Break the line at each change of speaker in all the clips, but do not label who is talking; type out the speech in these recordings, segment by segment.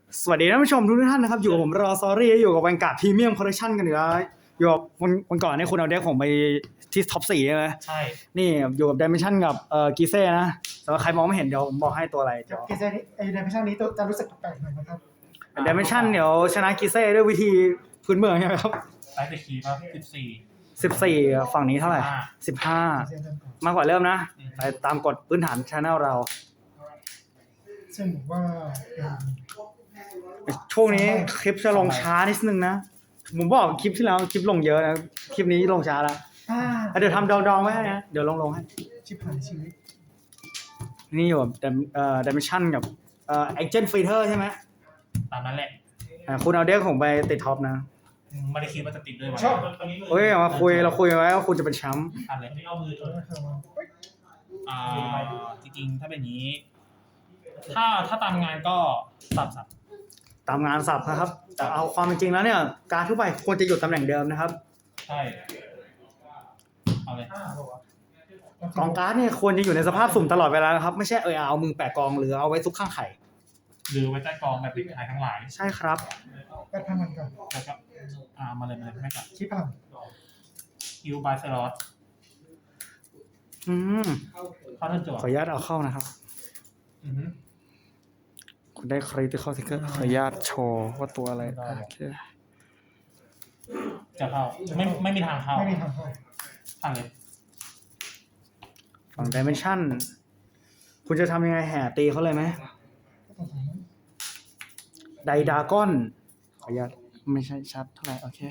สวัสดีท่านผู้ชมทุกท่านนะครับอยู่กับผมรอซอรี่อยู่กับแวนการ์ดพรีเมียมคอลเลคชันกันอยู่แล้วอยู่กับวันก่อนเนี่ยคุณเอาเด็กผมไปที่ท็อป4ใช่ไหม
ใช่
นี่อยู่กับ Dimension กับกีเซ่นะแต่ว่าใครมองไม่เห็นเดี๋ยวผมบอกให้ตัวอะไรเดี๋ยว
กีเซนี่ไอ้Dimensionนี้ตัวจะรู้สึกแปลกหน่อยนะครับ
Dimension เดี๋ยวชนะกีเซ่ด้วยวิธีพื้นเมืองใช่ไหมครับ
ไลท์เดคีป่ะ
14ฝั่งนี้เท่าไหร่15
กีเซเริ่มก่อน
มากกว่าเริ่มนะไปตามกฎพื้นฐาน Channel เรา
ซึ่งผมว่าเป็น
ช่วงนี้คลิปจะลงช้านิดนึงนะผมบอกคลิปที่แล้วคลิปลงเยอะนะคลิปนี้ลงช้าแล้วเดี๋ยวทำดองๆไว้ให้นะเดี๋ยวลงให้
ชิบหายชีวิต
นี่อยู่กับDimension กับAgent Fighter ใช่ไหม
ตามนั้นแหละ
คุณเอาเด็กผมไปติดท็อปนะ
ไม่ได้คิดว่าจะติดด้วยวะ
ชอบ
เฮ้ยมาคุยเราคุยไว้ว่าคุณจะเป็นแชมป์
ทันเลยไม่เอามือ อ่าจริงๆถ้าเป็นอย่างนี้ ถ้าตามงานก็สับ
ตามงานสับนะครับแต่เอาความเป็นจริงแล้วเนี่ยการทั่วไปควรจะอยู่ตำแหน่งเดิมนะครับ
ใช่เอาเลย
กองการ์ดเนี่ยควรจะอยู่ในสภาพสุ่มตลอดเวลานะครับไม่ใช่เอามือแปะกองหรือเอาไว้ซุกข้างไข่
หรือไว้ใต้กองแบบปิดท้ายทั้งหลาย
ใช่ครับ
แปดพันมันก่อน
แล้วก็มาเลยไม่กัด
ชิบหาย
ฮิวบายสล็อต
อืม
เข้าเทิร์นจั่ว
ขออนุญาตเอาเข้านะครับ
อือฮึ
คุณได้คริติคอลทิกเกอร์ขออนุญาตโชว์ว่าตัวอะไรโอเค
จะเข้าไม่มีทางเข้า
ไม่มีทางเข้า
ทันเลย
ฝั่ง Dimension คุณจะทำยังไงแห่ตีเขาเลยไหมไดดากอนขออนุญาตไม่ใช่ชัดเท่าไหร่โอเค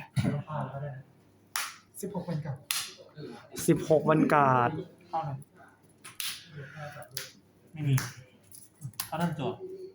16เป็นกับ
16วันการ์ด
เข้าเลยไม่มีเข้าเทิร์นจั่ว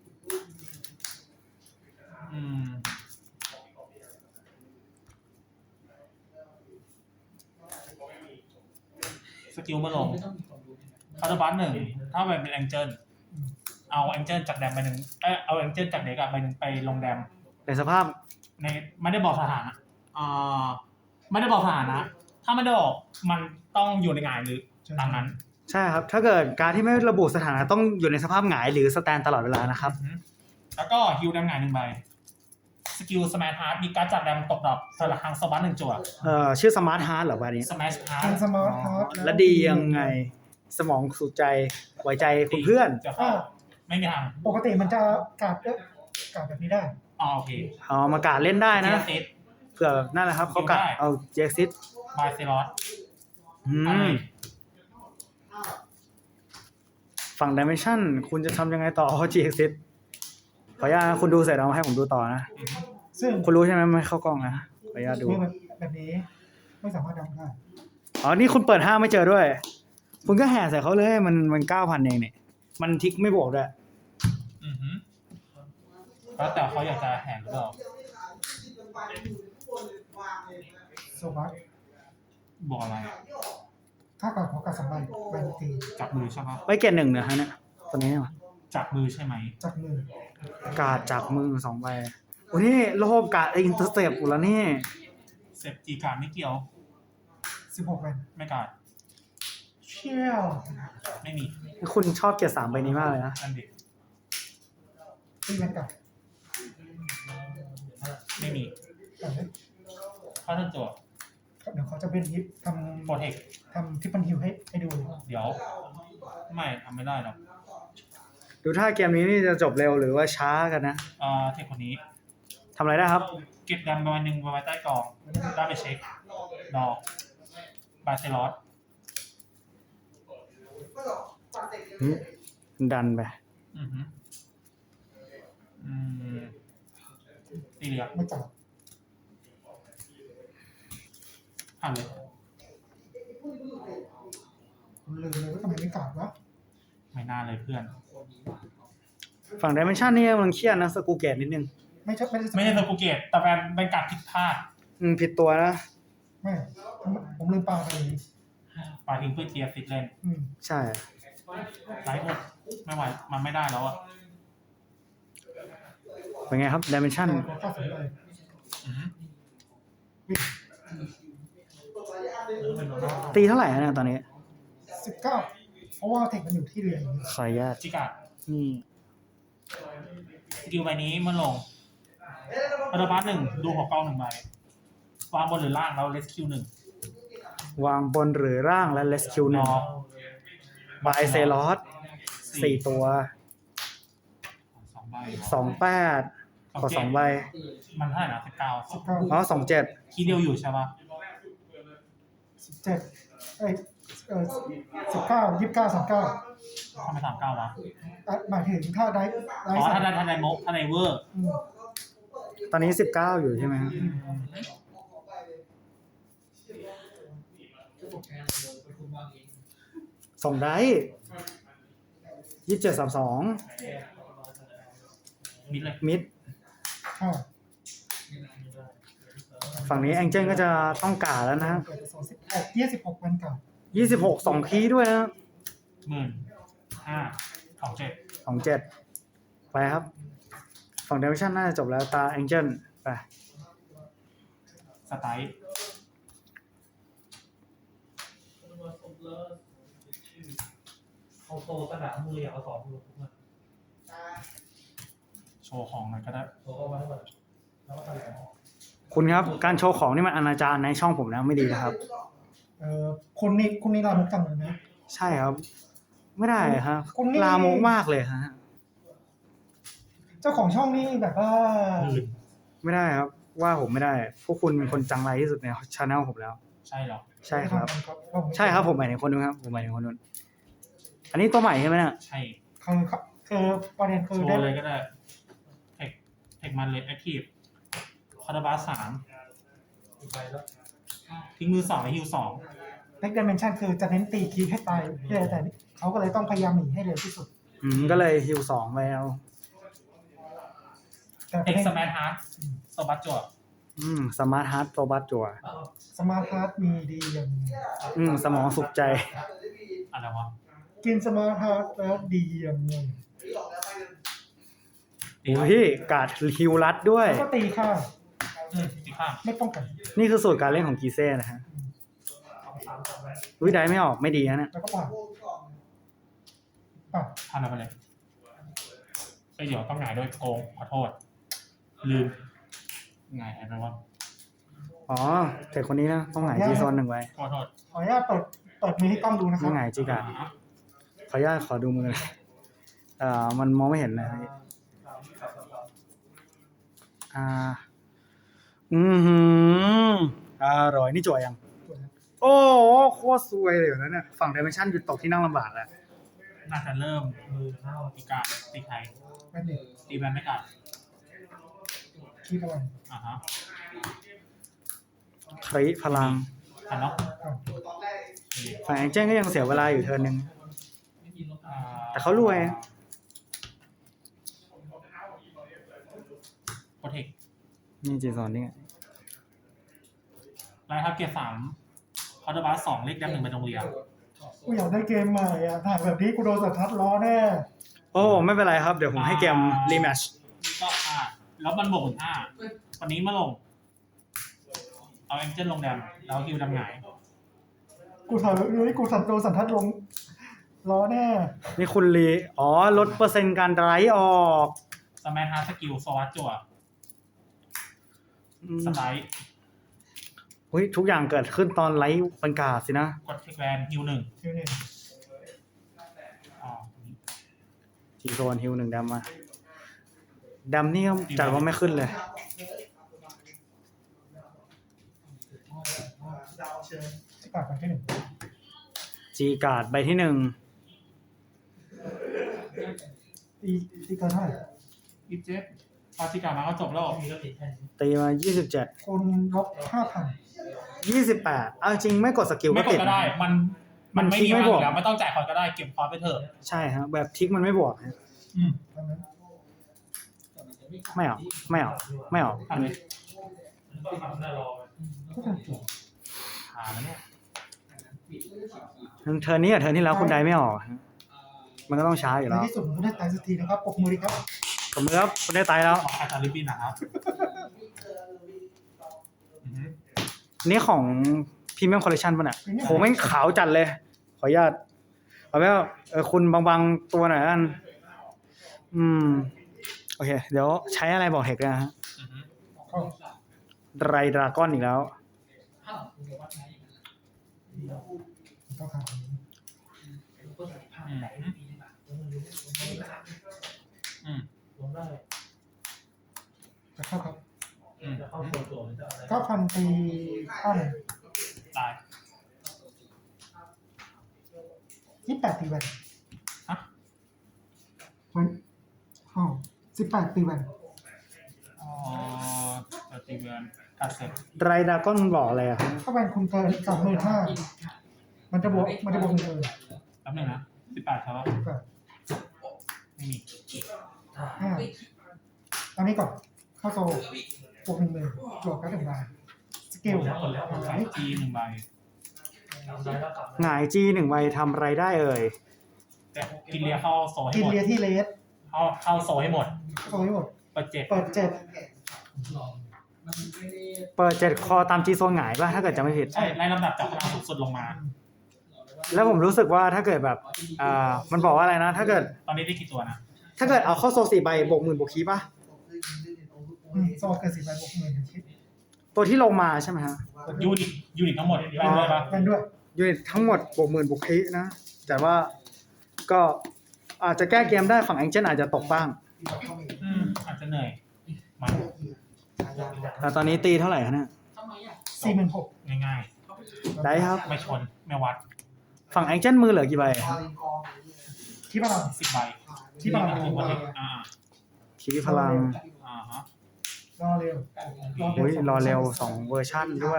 สกิลมาลงคาร์ดบัส1ถ้ามันเป็นแองเจิลเอาแองเจิลจากแดมไปหนึ่งเอาแองเจิลจากเด็กอะไปหนึ่งไปลงแดม
ในสภาพ
ในไม่ได้บอกสถานะไม่ได้บอกสถานะ ถ้าไม่ได้บอกมันต้องอยู่ในหงายหรือตามนั้น
ใช่ครับ ถ้าเกิดการที่ไม่ระบุสถานะต้องอยู่ในสภาพหงายหรือสแตนตลอดเวลานะครับ
แล้วก็ฮิวแดมหงาย1 ใบสกิลสมาร์ทฮาร์ดมีการดจากแดมตกดอกสลักครั้งสวัสด1จั่ว
ชื่อสมาร์ทฮาร์ดเหรอวันนี้
สมาร์ทฮาร์
ทา
ด
งสมาร์ทฮาร์ด
และดียังไงสมองสู่ใจไว้ใจคุณเพื่อน
จะเข้าไม่มีทาง
ปกติมันจะกราบแบบนี้ได้
โอเค
เอามากาดเล่นได้นะ
เซต
เผื่อนั่นแหละครับเขากะเอาเจ็กซิต
บายเซลอส
ฝั่ง Dimension คุณจะทำยังไงต่อเจ็กซิตขออนุญาตนะคุณดูเสร็จเอามาให้ผมดูต่อนะ
ซึ่ง
คุณรู้ใช่ไหมไม่เข้ากล้องนะขออนุญาตดู
มือแบบนี้ไม่สามารถดำได้
อ๋อนี่คุณเปิด5ไม่เจอด้วย คุณก็แห่ใส่เขาเลยมัน 9,000 เองเนี่ยมันทิกไม่บวกด้วย
แล้วแต่เขาอยากจะแห่งหรือเปล่า
โซบัส
บอกอะไร
ค่าก่อนของการ2 ใบใบตี
จับมือใช่ปะ
ไว้เกณฑ์1นะฮะเนี่ยตัวนี้เนี่ย
จับมือใช่ไหม
จากมือก
าดจากมือ2ใบโอ้นี่โลภกาดอินเตอร์เซปอยู่แล้วนี่
เซฟจีการไม่เกี่ยว
16เป็น
ไม่การ
เชี่ยว
ไม่มี
คุณชอบเกียร์3ใบนี้มากเลยนะ
นั่นดิ
ตีเป็นกับ
ไม่มี
แต่เนี้ย
เข้าเทิร์นจั่ว
เดี๋ยวเขาจะเป็นฮิป
โปรเทค
ทำทิปปันฮิวให้ดู
เดี๋ยว ไม่ทำไม่ได้หรอก
ดูถ้าเกมนี้นี่จะจบเร็วหรือว่าช้ากันนะ
เทคคนนี้
ทำอะไรได้ครับ
เก็บแดมประมาณ1ไว้ใต้กองได้ไปเช็คดอกบาเซลอส
ดันไป
ตีเหลือ
ไม่จับ
ผ่านเลย
ผมลืมเลยว่าทำไมไม่กราบวะ
ไม่น่าเลยเพื่อน
ฝั่ง Dimension นี่มันเครียดนะสกูเกตนิดนึง
ไม่ใช่
ไม่ใช่สกูเกตแต่เป็นการผิดพลาด
ผิดตัวนะ
ไม่ผมลืมปลาไป
ปาทิ้งเพื่อเกียร์ฟิตเล่น
ใช่
ไลฟ์หมดไม่ไหวมันไม่ได้แล้วอ่ะ
เป็นไงครับ Dimension
ข้าสนใจ
ตีเท่าไหร่นะตอนนี้
19เพราะว่าเทคมันอยู่ที่เรืออย่างนี้
ขออนุญาต
จิกา
นี่
สกิลใบนี้เมื่อลงคาร์บัสหนึ่งดูหัวกองหนึ่งใบวางบนหรือล่างแล้วเลสคิวหนึ่ง
วางบนหรือร่างและเลสคิวหนึ่งบายเซลอส4 ตัว
2 ใบ
28 ขอ 2 ใบ
มันเท่าไหร่นะ19
19
อ๋อ27
คีย์เดียวอยู่ใช่ปะ
1719 29 39
ทำไม39วะ
หมายถึงถ้าได้
อ๋อถ้าไดโมถ้าไดเวอร์
ตอนนี้19อยู่ใช่ไหมครับส่งได้27 32
มิดเลย
มิด
ค่ะ
ฝั่งนี้แองเจิลก็จะต้องการแล้วนะ
เกิด26วันเก่า
26 2 คีย์ด้วยนะ
15,000
27 ไปครับ ฝั่งเดวิชั่นน่าจะจบแล้วตาแองเจิลไป
สไตล์
เอาโตสนามมือเอาสองมือมา
โชว์ของหน่อยก็ได้
โตเข้ามาให้หมดแล้วก็ทำอะไร
คุณครับ การโชว์ของนี่มันอนาจารในช่องผมนะไม่ดีนะครับ
คุณนี่ลามุกจังเลยนะ
ใช่ครับ ไม่ได้ครับ
คุณนี่
ลามกมากเลยฮะ
เจ้าของช่องนี่แบบว่า
ไม่ได้ครับ ว่าผมไม่ได้ พวกคุณเป็นคนจังไรที่สุดในชาแนลผมแล้ว
ใช่เหรอ
ใช่ครับ ใช่ครับผมหมายถึงคนนู้นครับผมหมายถึงคนนู้นอันนี้ตัวใหม่ใช่ไหมเนี่ย
ใช่
คือประเด็นคือ
โช
ได้
ว์เลยก็ได้เทคมันเลสแอคทีฟคาร์บัส3
อีกใบแล้ว
ทิ้งมือ2และฮิว2
เล็กดิเมนชันคือจะเน้นตีคีย์ให้ตายแต่เขาก็เลยต้องพยายามหนีให้เร็วที่สุด
ก็เลยฮิว2ไปเอา
แต่
เอ็กซ์แมนฮาร์ดสบัตจวด
สมาร์ทฮาร์ดตัวบัตจัว
สมาร์ทฮาร์ดมีดีอย่าง
สมองสุขใจ
อะไรวะ
กินสมาร์ทฮาร์ดแล้วดีอย่างหนึ่ง
โอ้พี่การ์ดฮิวรัดด้วย
แล้วก็ตีข้าง
ตีข้าง
ไม่ป้องกัน
นี่คือสูตรการเล่นของกีเซ่นะฮะได้ไม่ออกไม่ดีนะเนี่ย
แล้วก็ป่าป่า
ทำอะไรไปเลยเดี๋ยวต้องหงายด้วยโกงขอโทษ ลืมหงายอะไรวะ
อ๋อแต่คนนี้นะต้องหงายจีโซน1ไว้
ขอโทษ
ขออนุญาตเปิดมือให้กล้องดูนะครั
ไม่
บ
หงายจีการ์ดขออนุญาตขอดูมือมันมองไม่เห็นเลยอร่อยนี่จั่วยัง โอ้โคตรซวยเลยนะเนี่ยฝั่ง Dimension หยุดตกที่นั่งลำบากแล้ว
น่าจะเริ่ม
มือเท่า
ตีการตีไทย
แม่นเด็ก
ตีแบนไม่กัด
คีย์พลัง
ฮะ
คริพลัง
ทันเนาะ
ฝั่งแองเจิลก็ยังเสียเวลาอยู่เทิร์นนึง แต่เขารวย
โปรเทค
นี่จีโซนนี่ไง
ไลท์ทับเกียร์3คาร์บัส2เลข1ไปโรงเรียน
กูอยากได้เกมใหม่อ่ะถ่ายแบบนี้กูโดนสัตว์ทัดล้อแน่
โอ้ไม่เป็นไรครับ เดี๋ยวผมให้เกมรีแมช
ก็แล้วมันบวกถึง5วันนี้มาลง เอาแองเจิลลงแดมแล้วฮิวดำหงาย
กูถ่ายแบบนี้กูโดนสัตว์ทัดลงล้อแน่
นี่คุณรีลดเปอร์เซ็นต์การไดรฟ์ออก
สแมนฮาร์สกิลสวัสดจั่วสไลด์
เฮ้ยทุกอย่างเกิดขึ้นตอนไลฟ์บรรยากาศสินะ
กดเทคแวนฮิว1
คิวเนี่ย
จีโซนฮิว1ดำมาดำนี่จัดว่าไม่ขึ้นเลย
ที่ปากกันที่หนึ่ง
จีการ์ดใบที่1
ตีเกินเท่าไหร่
อีเจ็บปาติกามาก็จบแล้ว
มีก็ติดแค่นี้
ตีมา
คนลบ
28เอาจริงไม่กดสกิล
ไม่
ก็
กด
ติด
ก็ได้
นะ
มันไม่
ทิ้
มี
งไม่
ไม่
บบ ว
อก กแล้วไม่ต้องจ่ายคอร์ก็ได้เก็บคอร์ไปเถอะ
ใช่ครับแบบทิกมันไม่บวกฮะ
ดังนั้น
ไม่ออกไม่ออกไม่ออก
ทำเลย
ต้องทำหน้ารอ
ก็ทำถูก
แล้วเนี่ย
เทิร์นนี้กับเทิร์นที่แล้วคุณได้ไม่ออกฮะมันก็ต้องช้าอยู่
ใน
แล้ว
ที่สุดมันก็ได้ตายสักทีนะครับปรบมือดีครับ
สมมติครับคุณได้ตายแล้ว
ของอาจารย์ลิบบินนะครับ
นี่ของพรีเมียมคอลเลคชันป่ะเนี่ยโหแม่งขาวจัดเลย ขออนุญาตเอาไว้ว่าคุณบางๆตัวหน่อยกันโอเค เดี๋ยวใช้อะไรบอกเทคนะฮะ
อือฮึ
เข้า
ไรดราก้อนอีกแล้ว
ต้องทำอันนี้
อืม
ลงได้
จะเข้าครับ
อืม
จะเข้าตัวมันจะอะไร
9,000ตีข้าหนึ่ง
ตาย
28ตีแวน
ฮะ
มันอ๋อ18ตีแวน
อ๋อตีเวนกัดเสร็จ
ไรดราก้อนมันบอกอะไรอะครับ
ถ้าแวนคุณเกิน25,000มันจะบวก1,000
แป๊บนึงนะ18ครับ
แบบ
ไม่มี
5อันนี้ก่อนเข้าโซบวก10,000จวกกัน1 บาทสกิล
ขายจีหนึ่งใบ
ทำได้แล้วกลับ
หงายจี1ใบทำไรได้เอ่ย
แต่กินเลียเข้าโซให้
กิน
หมด
เลียที่เลส
เข้าโซให้หมด
โซให้หมด
เปิดเจ็ด
เปิด7
เปิด7คอตามจีโซนหงายป่ะถ้าเกิดจะไม่ผิด
ใช่ไล่ลำดับจากพลังสูงสุดลงมา
แล้วผมรู้สึกว่าถ้าเกิดแบบมันบอกว่าอะไรนะ ถ้าเกิด
ตอนนี้ได้กี่ตัวนะ
ถ้าเกิดเอาเข้าโซ4ใบบวก10,000บวกคีป่ะ
โซเกิน10 ใบบวก10,000คิด
ตัวที่ลงมาใช่ไหมฮะ
ยูนิตทั้งหมดได้ด้วยปะ
แวนด้วย
ยูนิตทั้งหมดบวก10,000บวกคีนะ แต่ว่าก็อาจจะแก้เกมได้ฝั่งแองเจิลอาจจะตกบ้าง
อาจจะเหนื่อยมา
แต่ตอนนี้ตีเท่าไหร่คะเนี่ย
46,000
ง่าย
ได้ครับ
ๆไม่ชนไม่วัด
ฝั่งแองเจิลมือเหลือกี่ใบอะ
ที่พลัง
10 ใบ
ที่พลัง
ถึงวันนี้
คีพลัง
ฮะ
รอเร็ว
อุ้ยรอเร็ว2เวอร์ชั่นด้วย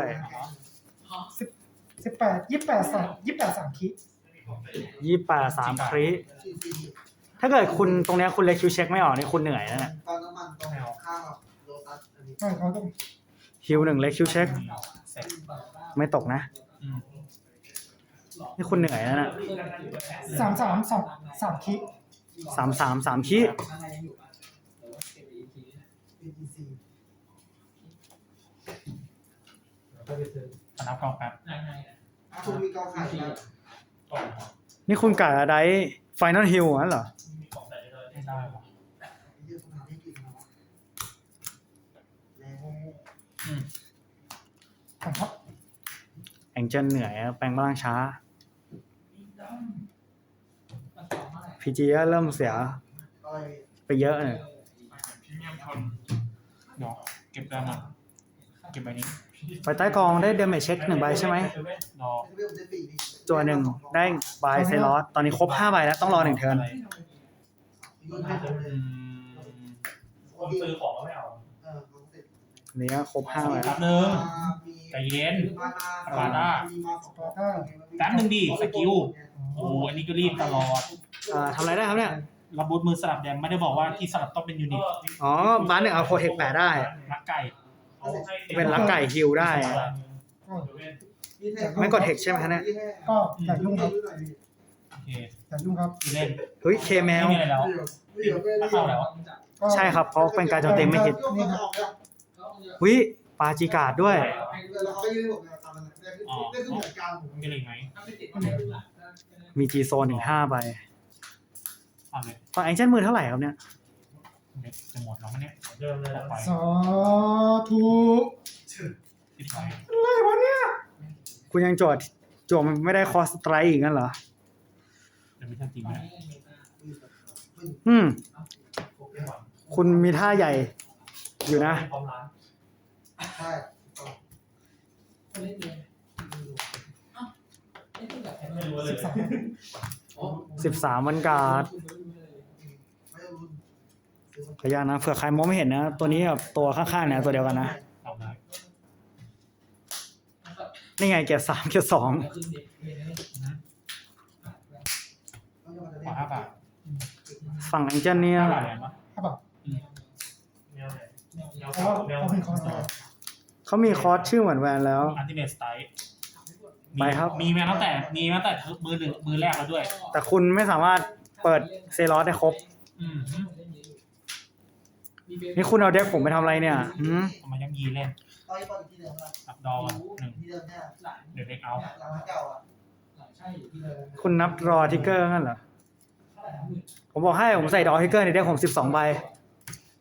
18 28 3คิด
28 3คริถ้าเกิดคุณตรงเนี้ยคุณเลคิวเช็คไม่ออกนี่คุณเหนื่อยนะเนี่ย
ตอนน้ำมันตรงข้างกับโลตัสอันนี้
ใช่เขาต้อง
ฮิว1เลคิวเช็ค
เสร็จ
ไม่ตกนะ นี่คุณเหนื่อยนะเนี่ย
3 คิด
3 คิ
BTC
นับกองแป๊บ
คุณมีเกาไข่นะ
นี่คุณกะอะไรไฟนอลฮิลนั่นเหรอ
ไม่ได้หรอ
เยอะขนาดนี้กินแล้วแล้ว
ครับ
แองเจิลเหนื่อยแปลงร่างช้า พีจีเริ่มเสีย
อะไร
ไปเยอะเนี่ย
เดี๋ยวเก็บได้มาเก็บใบนี้
ไฟใต้กองได้เดเมจเช็ค1ใบใช่ไหม
รอ
เรื่องได้ปีนี่
ตัวหนึ่งได้บายเซลอสตอนนี้ครบ5ใบแล้วต้องรอ1เทิร์น
ยุ่งให้ผมเลย
คนซื้อของก็ไม่เอา
ของเสร็จ
นี้ก็ครบ5ใบ
แป๊บนึงใจเย็น แป๊บนึงดิสกิลโอ้อันนี้ก็รีบตลอด
ทำอะไรได้ครับเนี่ย
ระบุดมือสลับแดงไม่ได้บอกว่าที่สลับต้องเป็นยูนิต
อ๋อบ้านหนึ่งเอาโปรเทคแปะได้
รักไก่
เป็นลักไก่ฮิลได้ ไม่กดเทคใช่ไหมฮะเนี่ย
ก็อย่ายุ่งครับ
โอเค
อย่ายุ่งครับ
เล่น
เฮ้ยเคแม
ไม่
ว
มีอะไรแล้วถ้าเข้าแล้ว
ก็
ใช่ครับเพราะเป็นการโจมตีไม่ฮิตวิปาจิกาดด้วย
แล้วเขาก็ยืนบอกแนวตามนั้นได้ขึ้นเหมือนกันผม
มีอะไรอีกไหม
มีจีโซนถึง5ใบ
เอาเลย
ฝั่งแองเจิลมือเท่าไหร่ครับเนี่ย
เด็กจะหมดแล้วมั้งเนี่ย
เริ่มเลย
ปล่อย
สาธุ
ติดไป
อะไรวะเนี่ย
คุณยังโจมไม่ได้คอสไตรอีกงั้นเหรอ
เดี๋ยวไม่ทันจริงไหม
คุณมีท่าใหญ่อยู่นะ
พร้อมร้าน
ใช่
ไม่รู้เลย
13วันการ์ด
ไม่รู้
ขออนุญาตนะเผื่อใครมองไม่เห็นนะ ตัวนี้กับตัวข้างๆเนี่ยตัวเดียวกันนะ
เอาได้
นี่ไงเกียร์3เกียร์2
ขอ5 บาท
ฝั่งแองเจิลเนี่ย
5 บาทเลยปะ
ครับแบบ
แนวไหนแนว
เพราะว่า
แนว
เขาเป็นคอนเสิร์ต
เขามีคอร์สชื่อเหมือนแวนแล้ว
อันติเมทสไตล์
ไปครับ
มีมาตั้งแต่มือหนึ่งมือแรกแล้วด้วย
แต่คุณไม่สามารถเปิดเซลอสได้ครบ
อืม
นี่คุณเอาเด็กผมไปทำอะไรเนี่ยหืม
เอามายังยีเล่น
ตอนนี้ตอนที่เดิมอะ
อับดอหนึ่ง
ที่เดิมเนี่ย
เดี๋ยวเด็กเอา
หลังเก่าอ่ะ
คุณนับรอทิกเกอร์งั้นเหรอ ผมบอกให้ผมใส่ดอทิกเกอร์ในเด็กผม12ใบ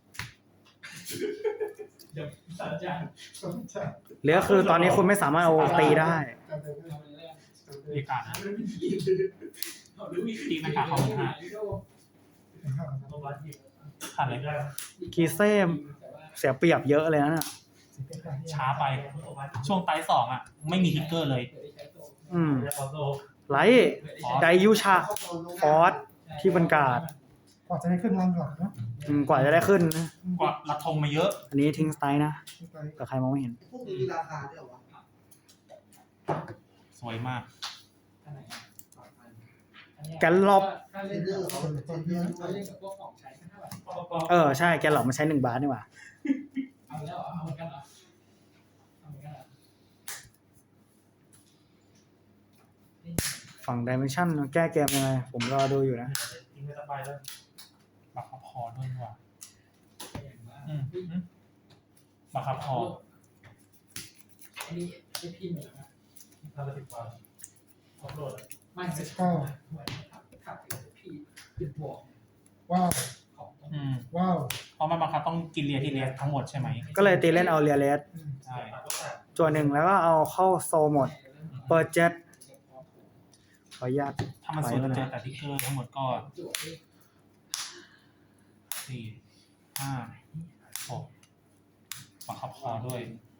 เดี๋ยวสัญญาณ
สนใจ
เหลือคือตอนนี้คุณไม่สามารถเอาตีได้
การเดินเรื่อง
เรียกการนะ
หรือวิ
ตีมันขาดเขา5
ตัววัดที่
ขาดเลย
กีเซ่เสียเปรียบเยอะเลยนะเนี่ย
ช้าไปช่วงไตสองอ่ะ ไม่มีทิกเกอร์เลย
อืม
แล้วก็โซ่
ไลท์ไดยูชาฟอสที่บรรกาศ
กว่าจะได้ขึ้นรังหลังนะ
กว่าจะได้ขึ้นนะ
กว่ารัดธงมาเยอะ
อันนี้ทิ้งสไตล์นะ
ไป
แต่ใครมองไม่เห็น
พวกนี้มีราคาด้วยเหรอวะ
สวยมาก
แกนลอบ
เทรนเดอร์เขาเทรนเดอร์ด้วย
เล่นกับพวกของใช้กันเท่าไหร่
ใช่แกนหลอกมันใช้1 บาทนี่หว่า
เอาแล้วเอาเหมือนกันเหรอเอาเหมือนกันเหรอ
ฝั่งดิเมนชันแก้เกมยังไง ผมรอดูอยู่นะ
ทิ้งไปสบายแล้ว
บักคับคอด้วยว่ะบักคับคอ
อันนี้ไอพี่เหมือนนะทำไป10 วันอัพโหลดไม่ใช่
ก็
ขับพี่ขึ้นบวก
ว้าว
ของ
ว้าว
เพราะมันบังคับต้องกินเรียที่เรียทั้งหมดใช่ไหม
ก็เลยตีเล่นเอาเรียเลส
ใช่
ตัวหนึ่งแล้วก็เอาเข้าโซหมด เปิดเจ็ตขออนุญาต
ถ้ามันสุดจะเจอแต่ทิกเกอร์ทั้งหมดก็4 5 6บังคับคอด้วย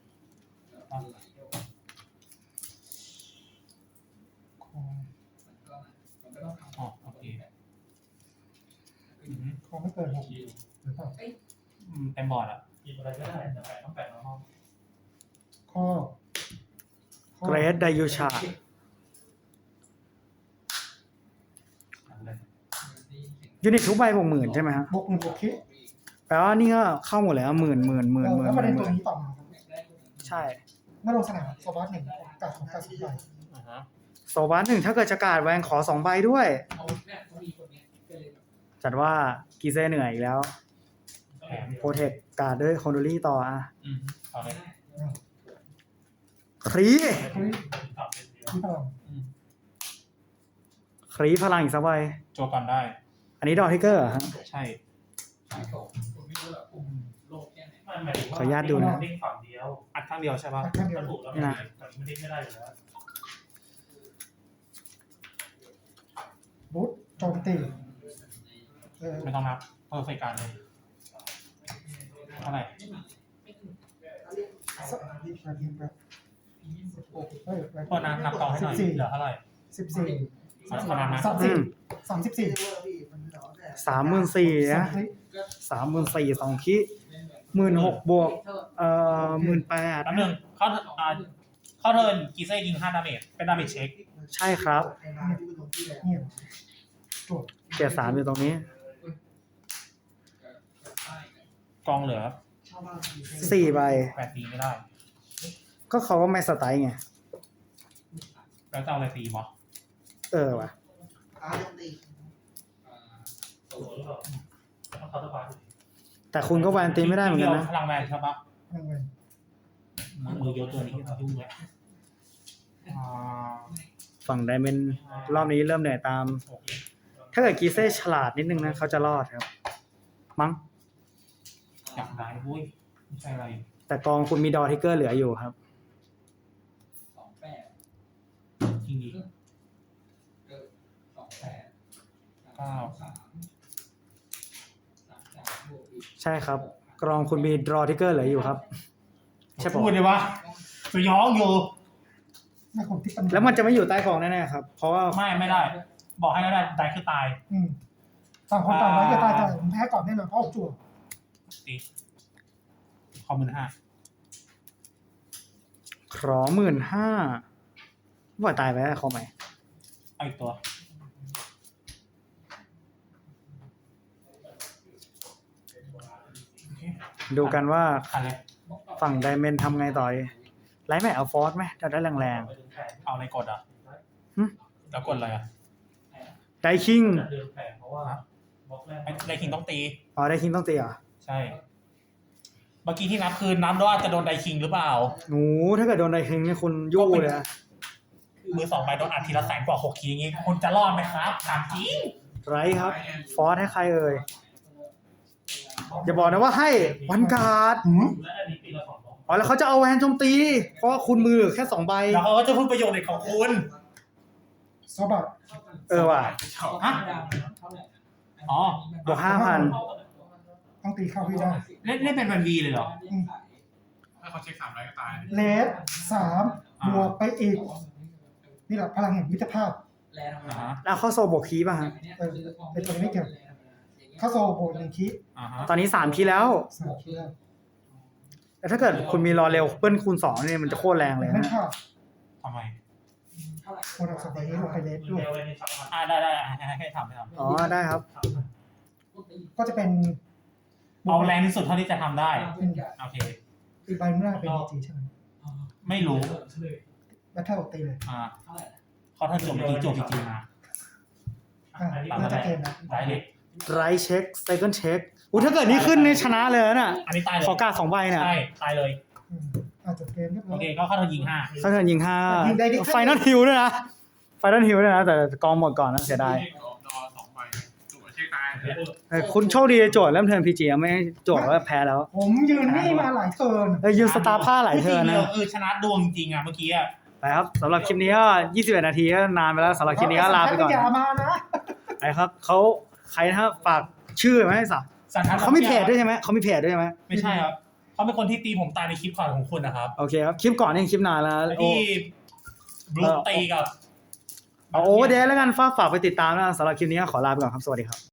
อ๋อโอเค
ของไม่เกิน6หรือเปล่า
เต็มบอร์ดอ่ะ
กินอะไรก็ได้แต่ต้องแปะในห้อง
ข้อ
เกรดไดยูชา ยูนิตทุกใบบวกหมื่นใช่ไหมฮะ
บวก1บวกคิด
แปลว่านี่ก็เข้าหมดแล้วหมื่น
แล้วประเด็นตัวนี้ต่อมาครับ
ใช่
เมื่อลงสนามโซบัส1กัดของกัด2ใบ
โซบัส1ถ้าเกิดจะการ์ดแวนขอ2 ใบด้วย
เอาเนี่ยเขามีคนเนี้ยก็เลย
จัดว่ากีเซ่เหนื่อยอีกแล้ว
แถม
โปรเทคการ์ดด้วยคอนโดลี่ต่ออ่ะ
เอาเลย
ครี
เฮ้ยที่พลัง
ครีพลังอีกสักใบ
โจก่อนได้
อันนี้ดอทิกเกอร์ฮะ
ใช่
ขายของผมไม่รู้หรอกผมโลกแค่ไหน
มันหมายถึงว่า
ขออนุญาตดูนะ
เด้งฝั่งเดียว อัดข้างเดียวใช่ปะ
แค่เดียว
ถูกแล้วแต่มันเด้งไม่ได้อยู่แล้ว
บูทโจมตี
ไม่ต้องนับเพอร์เฟกการเลยเท่าไหร่
สักนาทีแบบเฮ้ย
พอนับต่อให้หน่อยเหลือเท่าไหร่
14
ขอนับนะ
34
เทรนเดอร์พี่มันเหลือแต่
34,000นะ34,000 2คิ16,000 บวก18,000
แป๊บนึงเข้าเทิร์นกีเซ่ยิง5 ดาเมจเป็นดาเมจเช็ค
ใช่ครับ
ในร้านที่เป็นตรงที่แล้ว
เนี่ยจวด
เกียร์3อยู่ตรงนี้
กองเหลือ
ชาวบ้านมี
4 ใบ
8 ตีไม่ได้
ก็เขาว่าไม่สไตล์ไง
แล้วจะเอาอะไรตีวะ
ว่ะ
อาร์ตตี
ตัวหรือเปล่าต้องเขาสบาย
แต่คุณก็แวนตีไม่ได้เหมือนกันนะ
พลังแวนใช่ปะ
พลังเงิน
มือเยอะตัวนี้ยุ่งเลย
ฝั่งไดเมนรอบนี้เริ่มเหนื่อยตาม ถ้าเกิดกีเซ่ฉลาดนิดนึงนะเขาจะรอดครับ มั้ง
อยากได้เว้ยไม่ใช่อะไร
แต่กองคุณมีดอทิกเกอร์เหลืออยู่ครับ
จริงดี
ใช่ครับ กรองคุณมีดรอทิกเกอร์เหลืออยู่ครับ ใช่ปะ
พูดเลยว่าสยองอยู่
แม่คนที่ปัญญา
แล้วมันจะไม่อยู่ใต้กองแน่ๆครับ เพราะว่า
ไม่ได้ บอกให้ได้ได้คือตาย
ฝั่งคนต่างไว้ก็ตายแต่ผมแพ้ก่อนแน่นอนเพราะผมจั่ว
ตีคอม15,000
ขอ15,000ว่าตายไปแล้วเขาไหม
เอาอีกตัว
ดูกันว่า
ขันเลย
ฝั่งไดเมนทำไงต่อดีไลท์แม่เอาฟอร์สไหมจะได้แรง
เอาอะไรกดอ่ะแล้วกดอะไรอ่ะ
ๆไดคิง
เดิมแผงเพราะว่าบล็อกแรก
ไดคิงต้องตี
อ๋อไดคิงต้องตีเหรอ
ใช่ เมื่อกี้ที่นับคือนับว่าจะโดนไดคิงหรือเปล่า
โอ้ถ้าเกิดโดนไดคิงนี่คุณยู่เลยนะ
มือ2 ใบโดนอัดทีละ100,000 กว่า6 ทีอย่างงี้ คุณจะรอดไหมครับถามจริง
ไรครับ ฟอร์สให้ใครเอ่ย
ฟ
อย่าบอกนะว่าให้วันการ์ด
และอันนี้ตีละ2 ดอก
อ๋อแล้วเขาจะเอาแวนโจมตี เพราะว่าคุณมือเหลือแค่2 ใบ
แล้วเขาก็จะพูดประโยชน์เด็กของคุณ
ซอบัต
ว่ะ
อ๋อ
บวก5,000
ต้องตีเข้าให้ได้
เล่นเป็นวันวีเลยเหรอ
ถ้าเขาเช็ค3 ไรก็ตาย
เลส3บวกไปอีกนี่แหละพลังแห่งมิตรภาพ
อ่าฮะ
แล้วเข้าโซบวกคีป่ะฮะ
เป็นตัวนี้ไม่เกี่ยวเข้าโซโบน1คี
อ่าฮะ
ตอนนี้3 คีแล้ว
3คีแล้ว
แต่ถ้าเกิดคุณมีรอเร็วเปิ้ลคูณ2เนี่ยมันจะโคตรแรงเลย
ไม่
นะ
ค่ะ
ทำไม
โคนเอาสองใบนี้ลงไปเลสด้วย
ได้ให้ทำ
อ๋อได้ครับ
ก็จะเป็น
เอาแรงที่สุดเท่าที่จะทำได้ โอเค
อีกใบหน้าเป็นดีจีใช่ไหม
ไม่รู้
แบทเทิลตีเลย
เขาท่านจบเมื่อกี้จบจริงๆนะ
น่าจะเกมนะ
ได้เลย
ไรเช็คไซเคิลเช็คอู้ถ้าเกิดนี้ขึ้นนี่ชนะเลยนะ
อันนี้ตายเลย
ขอการ์ด2 ใบเนี่ย
ใช่ตายเลย
จบเกมเรียบร้
โอ
อย
เคก็เข้าทางยิง
ถ้าเกิดยิง
ยิงได้ดิ
5ไฟนอลฮิลด้วยนะไฟนอลฮิลด้วยนะ แต่กองหมดก่อนนะเสียดาย
รอ2 ใบตัวเช็คตาย
คุณโชคดีโจทย์เริ่มเทิร์นพีจีไม่ให้โจทย์ว่าแพ้แล้ว
ผมยืนนี่มาหลายเทิร์น
ยืนสตาร์ผ้าหลาย
ๆ
เทิร์นนะ
ชนะดวงจริงอ่ะเมื่อกี้อ่ะ
ไปครับสำหรับคลิปนี้ก็21 นาทีก็นานไปแล้วสำหรับคลิปนี้ก็ลาไปก่อน
อย่ามานะ
ไปครับเขาใครนะครับฝากชื่อไหมสัก
สันทัด
เขามีเพจด้วยใช่ไหมเขามีเพจด้วยใช่ไหม
ไม่ใช่ครับเขาเป็นคนที่ตีผมตายในคลิปก่อนของคุณนะครับ
โอเคครับคลิปก่อนนี่คลิปนานแล้วโอ้
ที่บลูตีกับ
เอาโอเวอร์เดย์แล้วกันฝากไปติดตามนะสำหรับคลิปนี้ก็ขอลาไปก่อนครับสวัสดีครับ